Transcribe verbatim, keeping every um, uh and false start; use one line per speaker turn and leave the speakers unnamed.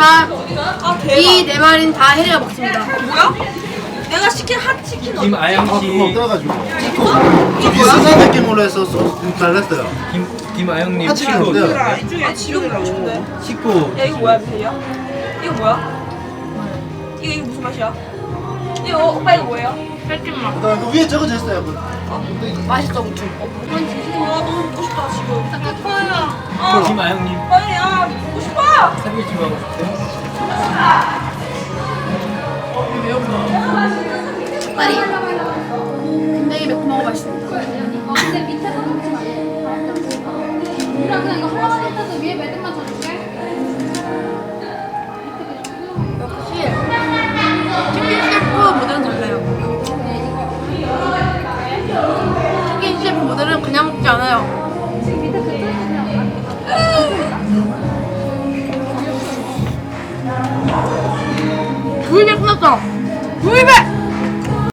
하지만
아 대박.
이 네 마리는 다 혜리가 먹습니다.
뭐야? 내가 시킨 핫치킨 어디?
김아영
아 그거
씨,
없더라가지고 좀 비슷한 느낌으로 해서 소스 잘했어요.
김 김아영님
하치킨
식구
어때요?
아, 이쪽에 지금 먹고 싶은데.
식구
야 이거 뭐야 미세야? 이거 뭐야? 이거 이거 무슨 맛이야? 이거 어, 오빠 이거 뭐예요?
쌀찜맛.
그다음 그 위에 적어져 있어요. 그
맛있어, 우추.
아 너무 먹고 싶다 지금.
예뻐요.
아
김아영님
빨리 아 먹고 싶어.
삼겹살 하고 싶어요?
빨리. 굉장히 매콤하고 맛있습니다.
근데 밑에서 먹지 말고. 우리랑 그냥 이거 하나만 해서 위에 매듭만 줘줄게.
역시 치킨 셰프 모델은 달라요. 치킨 셰프 모델은 그냥 먹지 않아요. 구이백 끝났어. 구이백.